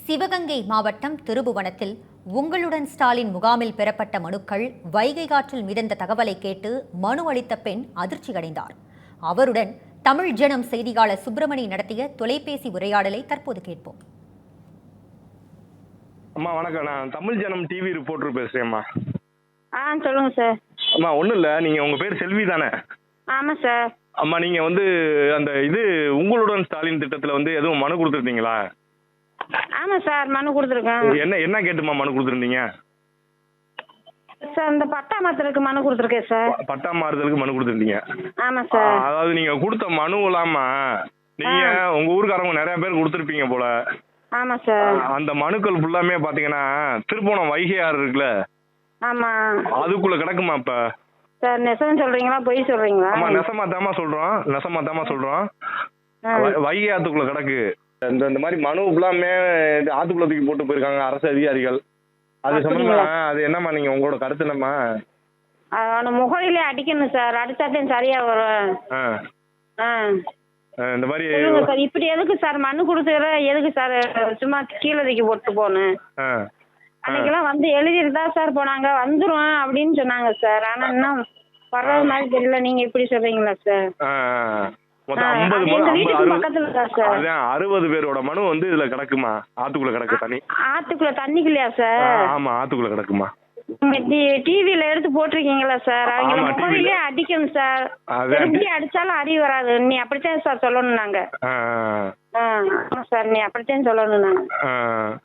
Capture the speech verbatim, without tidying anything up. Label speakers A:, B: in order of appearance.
A: சிவகங்கை மாவட்டம் திருபுவனத்தில் உங்களுடன் ஸ்டாலின் முகாமில் பெறப்பட்ட மனுக்கள் வைகை காற்றில் மிதந்த தகவலை கேட்டு மனு அளித்த பெண் அதிர்ச்சியடைந்தார். அவருடன் தமிழ் ஜனம் செய்தியாளர் சுப்பிரமணி நடத்திய தொலைபேசி உரையாடலை தற்போது கேட்போம்.
B: அம்மா வணக்கம், நான் தமிழ் ஜனம் டிவி ரிப்போர்ட்டர் பேசுறேன்மா.
C: ஆ சொல்லுங்க சார்.
B: அம்மா ஒன்றும் இல்லை, நீங்கள் உங்கள் பேர் செல்வி தானே?
C: ஆமாம் சார்.
B: அம்மா நீங்கள் வந்து அந்த இது உங்களுடன் ஸ்டாலின் திட்டத்தில் வந்து எதுவும் மனு கொடுத்துருந்தீங்களா?
C: ஆமாம் சார், மனு கொடுத்துருக்கேன்.
B: என்ன என்ன கேட்டுமா மனு கொடுத்துருந்தீங்க?
C: சார் இந்த பட்டா மாத்திரக்கு மனு கொடுத்துருக்கேன் சார்.
B: பட்டா மாறுதலுக்கு மனு கொடுத்துருந்தீங்க?
C: ஆமாம் சார்.
B: அதாவது நீங்கள் கொடுத்த மனு இல்லாமா நீங்கள் உங்கள் ஊருக்காரவங்க நிறைய பேர் கொடுத்துருப்பீங்க போல.
C: ஆமாம் சார்.
B: அந்த மனுக்கள் ஃபுல்லாமே பார்த்தீங்கன்னா திருப்போணம் வைகை ஆறு இருக்குல்ல,
C: ஆமாம்,
B: அதுக்குள்ள கிடக்குமா இப்போ?
C: சார் நெசம் சொல்றீங்களா பொய் சொல்றீங்களா?
B: ஆமா நெசமா தாமா சொல்றோம், நெசமா தாமா சொல்றோம். வைகை ஆத்துக்குள்ள கிடக்கு. இந்த இந்த மாதிரி மனு ஃபுல்லாமே ஆத்துக்குள்ள தூக்கி போட்டு போயிருக்காங்க அரசு அதிகாரிகள். அது சம்பந்தமா அது என்னம்மா, நீங்க உங்களோட கருத்து என்னம்மா?
C: அவனை முகலிலே அடிக்கணும் சார், அடிச்சாத்தையும் சரியா வரும்.
B: ஆ
C: ஆ
B: இந்த மாதிரி
C: சொல்லுங்க சார். இப்படி எதுக்கு சார் மனு கொடுத்துற, எதுக்கு சார் சும்மா கீழே தூக்கி போட்டு போகணும்?
B: ஆ
C: அன்னைக்கெல்லாம் வந்து எழுதிட்டு தான் சார் போனாங்க, வந்துரும் அப்படின்னு சொன்னாங்க சார். ஆனா இன்னும் வர்றது மாதிரி தெரியல. நீங்க இப்படி சொல்றீங்களா சார்?
B: மொத்தம் ஐம்பது
C: எங்க வீட்டுக்கு பக்கத்துல தான் சார்.
B: அதான் அறுபது பேரோட மனு வந்து இதுல கிடக்குமா, ஆத்துக்குள்ள கிடக்கு தண்ணி.
C: ஆத்துக்குள்ள தண்ணிக்குள்ளையா சார்?
B: ஆமா ஆத்துக்குள்ள கிடக்குமா.
C: டிவில எடுத்து போட்டிருக்கீங்களா சார்? அவங்க முகவிலே அடிக்கணும் சார். எப்படி அடிச்சாலும் அறிவு வராது. நீ அப்படித்தான் சார் சொல்லணும். நாங்க ஆமா சார், நீ அப்படித்தான் சொல்லணும். நாங்க